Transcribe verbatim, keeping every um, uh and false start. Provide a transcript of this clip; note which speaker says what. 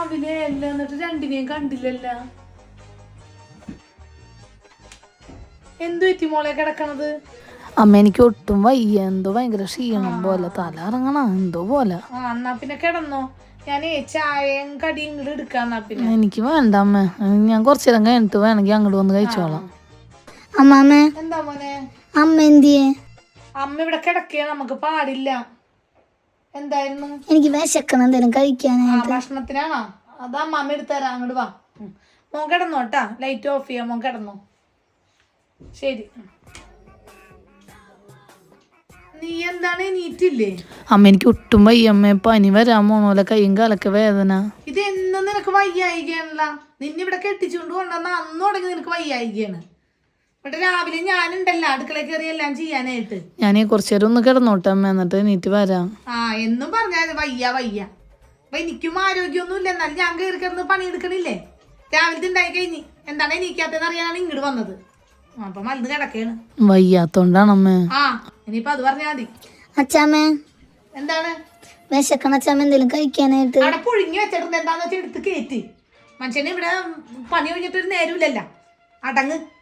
Speaker 1: രാവിലെ അല്ല എന്നിട്ട് രണ്ടിനെയും കണ്ടില്ലല്ല. എന്തു പറ്റി മോളെ കിടക്കണത്?
Speaker 2: അമ്മ എനിക്ക് ഒട്ടും വയ്യ, എന്തോ ഭയങ്കര ക്ഷീണം പോലെ, തല ഇറങ്ങണ എന്തോ പോലെ.
Speaker 1: ആ എന്നാ പിന്നെ കിടന്നോ, ഞാനേ ചായയും കടിയും ഇങ്ങോട്ട് എടുക്കാന്നാ. പിന്നെ
Speaker 2: എനിക്ക് വേണ്ട അമ്മ, ഞാൻ കുറച്ചു നേരം കഴിഞ്ഞിട്ട് വേണമെങ്കിൽ അങ്ങോട്ട് വന്ന് കഴിച്ചോളാം.
Speaker 3: അമ്മാമ്മേ
Speaker 1: എന്താ മോനെ?
Speaker 3: അമ്മ എന്തിയെ?
Speaker 1: അമ്മ ഇവിടെ കിടക്കുക, നമുക്ക് പാടില്ല. എന്തായിരുന്നു?
Speaker 3: എനിക്ക് വിശക്കണം എന്തെങ്കിലും
Speaker 1: ആ
Speaker 3: കഴിക്കാനായിട്ട്.
Speaker 1: ഭക്ഷണത്തിനാണോ? അതാ അമ്മ എടുത്തരാം, അങ്ങോട്ട് വാ. മോൻ കിടന്നോട്ടാ, ലൈറ്റ് ഓഫ് ചെയ്യാം, മോൻ കിടന്നോ. ശരി. നീ എന്താണ് എണീറ്റില്ലേ?
Speaker 2: അമ്മ എനിക്ക് ഒട്ടും വയ്യ അമ്മ, പനി വരാൻ പോണോലെ, കയ്യും കാലൊക്കെ വേദന.
Speaker 1: ഇത് എന്നും നിനക്ക് വയ്യായികയാണല്ല. നിന്നെ ഇവിടെ കെട്ടിച്ചുകൊണ്ട് കൊണ്ടുവന്ന അന്ന് തുടങ്ങി നിനക്ക് വയ്യായികയാണ്. ഇവിടെ രാവിലെ ഞാനുണ്ടല്ലോ അടുക്കള കയറി എല്ലാം ചെയ്യാനായിട്ട്.
Speaker 2: ഞാനീ കുറച്ചു നേരം ഒന്ന് കിടന്നോട്ടെ അമ്മ, എന്നിട്ട് എണീറ്റ് വരാം.
Speaker 1: ആ എന്നും പറഞ്ഞാൽ വയ്യ വയ്യ. അപ്പൊ എനിക്കും ആരോഗ്യമൊന്നും ഇല്ല, എന്നാലും ഞാൻ കയറി കിടന്ന് പണിയെടുക്കണില്ലേ. രാവിലത്തെ ഉണ്ടായി കഴിഞ്ഞ് എന്താണ് എണീക്കാത്തെന്ന് അറിയാനാണ് ഇങ്ങോട്ട് വന്നത്. അപ്പൊ മരുന്ന് കിടക്കാണ്.
Speaker 2: വയ്യാത്തോണ്ടാണ് അമ്മ.
Speaker 1: ആ ഇനിയിപ്പൊ അത് പറഞ്ഞാൽ മതി.
Speaker 3: അച്ചാമ്മേ
Speaker 1: എന്താണ്?
Speaker 3: വിശക്കണം അച്ചാമ്മ എന്തെങ്കിലും കഴിക്കാനായിട്ട്.
Speaker 1: അവിടെ പുഴുങ്ങി വെച്ചിട്ടുണ്ട്, എന്താന്ന് വെച്ചാൽ എടുത്ത് കയറ്റി. മനുഷ്യനെ ഇവിടെ പണി കഴിഞ്ഞിട്ടൊരു നേരമില്ലല്ലോ. അടങ്ങ്.